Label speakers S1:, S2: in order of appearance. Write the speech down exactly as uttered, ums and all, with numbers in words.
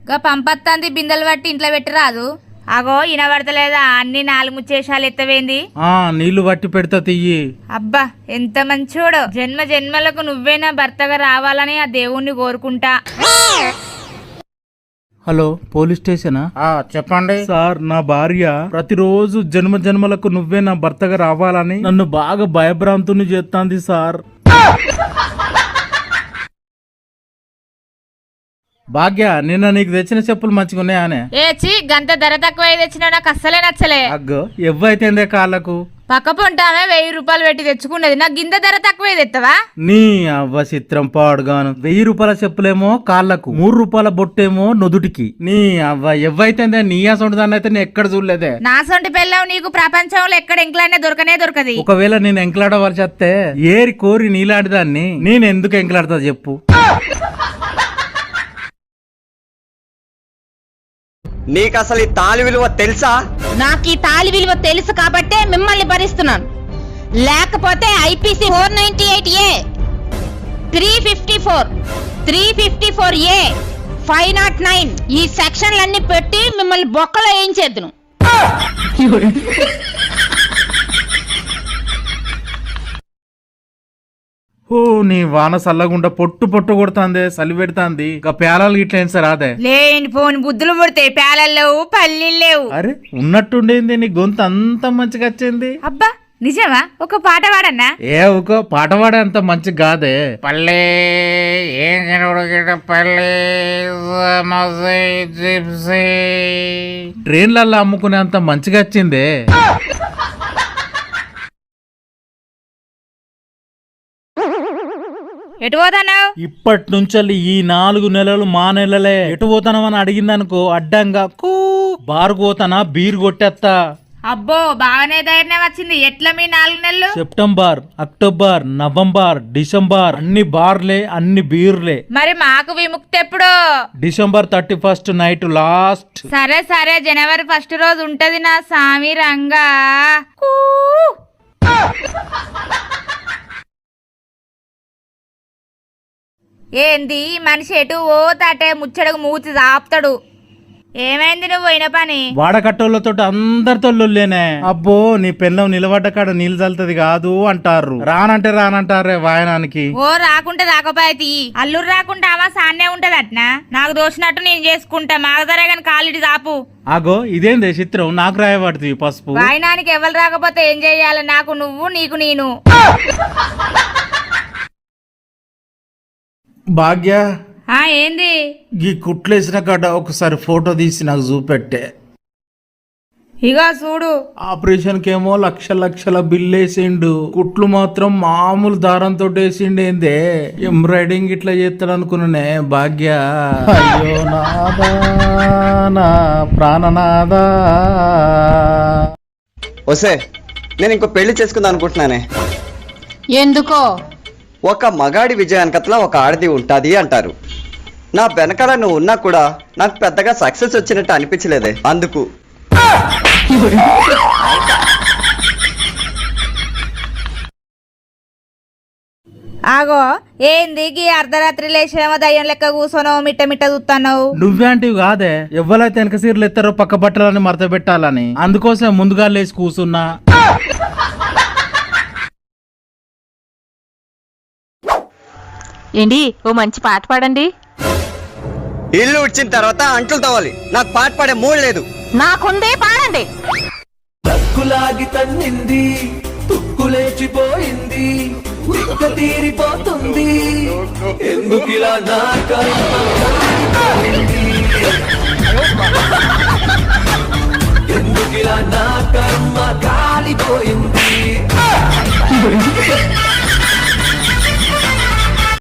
S1: గా పంపత్తాంది బిందెలు పట్టి ఇంట్లో పెట్టరాదు. అగో ఇనబడతలేదా అన్ని నాలుగు ముచ్చేషాలు ఎత్తవేంది?
S2: ఆ నీళ్లు పట్టి పెడతా తియ్యి.
S1: అబ్బా ఎంత మంచోడు. జన్మ జన్మలకు నువ్వేనా భర్తగా రావాలని ఆ దేవుణ్ణి కోరుకుంటా.
S2: హలో పోలీస్ స్టేషనా?
S3: చెప్పండి
S2: సార్, నా భార్య ప్రతిరోజు జన్మ జన్మలకు నువ్వే నా భర్తగా రావాలని నన్ను బాగా భయభ్రాంతుని చేస్తాంది సార్. భాగ్య, నిన్న నీకు తెచ్చిన చెప్పులు మంచిగా ఉన్నాయానే?
S1: ఏ చి గంత ధర తక్కువ తెచ్చినా నాకు అస్సలే నచ్చలే.
S2: అగ్గో ఎవ్వైతేందే కాళ్ళకు.
S1: పక్క పొంటామే వెయ్యి రూపాయలు పెట్టి తెచ్చుకున్నది, నాకు గింత ధర తక్కువ తెత్తవా?
S2: నీ అవ్వ చిత్రం పాడుగాను. వెయ్యి రూపాయల చెప్పులేమో కాళ్ళకు, మూడు రూపాయల బొట్టేమో నుదుటికి. నీ అవ్వ ఎవ్వైతేందే నీ అసొంటి దాన్ని అయితే నేను ఎక్కడ చూడలేదే.
S1: నా సొంటి పెళ్ళావు నీకు ప్రపంచంలో ఎక్కడ ఎంకలాడినా దొరకనే దొరకది.
S2: ఒకవేళ నేను ఎంకలాడవలసి వస్తే ఏరి కోరి నీలాంటి దాన్ని నేను ఎందుకు ఎంకలాడతా చెప్పు?
S4: నీకు అసలు ఈ తాళి విలువ తెలుసా?
S5: నాకు ఈ తాళి విలువ తెలుసు కాబట్టే మిమ్మల్ని భరిస్తున్నాను. లేకపోతే IPC four ninety eight A, three fifty four, three fifty four A, five naught nine ఈ సెక్షన్లన్నీ పెట్టి మిమ్మల్ని బొక్కలో వేయించేద్దును.
S2: ఓ నీ వాన సల్లగుండా పొట్టు పొట్టు కొడుతాందే, సలి పెడతాంది. ఇక పేలాలు గిట్ల ఏం సార్ అదే
S1: లేని పోని బుద్ధులు పుడితే పేలలు లేవు పల్లీలు లేవు.
S2: అరే ఉన్నట్టుండేంది నీ గొంతు అంత మంచిగా వచ్చింది.
S1: అబ్బా నిజమా? ఒక పాట పాడన్నా?
S2: ఏ ఒక పాట పాడే అంత మంచిగా కాదే.
S3: పల్లె ఏం కనబడ పల్లె
S2: ట్రైన్లలో అమ్ముకునే అంత మంచిగా వచ్చిందే.
S1: ఎటు పోతానావు?
S2: ఇప్పటి నుంచి ఈ నాలుగు నెలలు మా నెలలే. ఎటు పోతానమని అడిగిందనుకో అడ్డంగా కూ బారు పోతానా బీరు కొట్టేస్తా.
S1: అబ్బో బాగానే ధైర్యం వచ్చింది. ఎట్లా మీ నాలుగు నెలలు?
S2: సెప్టెంబర్, అక్టోబర్, నవంబర్, డిసెంబర్ అన్ని బార్లే, అన్ని బీర్లే.
S1: మరి మాకు విముక్తి ఎప్పుడు?
S2: December thirty first night last.
S1: సరే సరే జనవరి ఫస్ట్ రోజు ఉంటది నా సామి రంగా. ఏంది మనిషి ఎటు ఓ తాటే ముచ్చడకు మూతి ఆపుతాడు. ఏమైంది నువ్వు పోయిన పని?
S2: వాడకట్టోళ్ళతో అందరితో లొల్లేనే. అబ్బో నీ పెళ్ళం నిలబడ్డ కాడ నీళ్ళు చల్లుతుంది కాదు అంటారు. రానంటే రానంటారే వాయనానికి.
S1: ఓ రాకుంటే రాకపోయి అల్లురు రాకుంటే ఆమా సాన్నే ఉంటది అట్నా. నాకు దోచినట్టు నేను చేసుకుంటా. మాగదరే గాని కాలిడి దాపు.
S2: ఆగో ఇదేందే చిత్రం నాకు రాయబడుతుంది పసుపు.
S1: వాయనానికి ఎవరు రాకపోతే ఏం చెయ్యాలి? నాకు నువ్వు, నీకు నేను.
S2: భాగ్య,
S1: ఆ ఏంది?
S2: ఈ కుట్లేసిన కాడ ఒకసారి ఫోటో తీసి నాకు చూపెట్టే.
S1: ఇక చూడు.
S2: ఆపరేషన్ కేమో లక్ష లక్షల బిల్లు వేసిండు, కుట్లు మాత్రం మామూలు దారంతో వేసిండేందే. ఎంబ్రాయిడింగ్ ఇట్లా చేస్తాడు అనుకున్నానే భాగ్య. అయ్యో నాదా నా ప్రాణనాదా.
S4: వసే నేను ఇంకో పెళ్లి చేసుకుందాం అనుకుంటున్నానే.
S5: ఎందుకో?
S4: ఒక మగాడి విజయానికట్లా ఒక ఆడది ఉంటాది అంటారు. నా వెనకాల నువ్వు ఉన్నా కూడా నాకు పెద్దగా సక్సెస్ వచ్చినట్టు అనిపించలేదే, అందుకు.
S1: ఆగో ఏంది గీ అర్ధరాత్రి లేచేమో దయ్యం లెక్క కూర్చోనో మిట్ట మిట్ట చూస్తున్నావు?
S2: నువ్వేంటివి కాదే, ఎవ్వరైతే వెనక సీర్లు ఎత్తారో పక్క బట్టలని మడత పెట్టాలని, అందుకోసం ముందుగా లేచి కూర్చున్నా.
S5: ఏంటి ఓ మంచి పాట పాడండి.
S4: ఇల్లు ఉడిచిన తర్వాత అంట్లు తవ్వాలి, నాకు పాట పాడే మూడు లేదు.
S5: నాకుందే పాడండి.
S6: తక్కులాగి తన్నింది, తుక్కులేచిపోయింది, తిక్క తీరిపోతుంది, ఎందుకిలా నా కర్మ, ఎందుకిలా నా కర్మ కాలిపోయింది.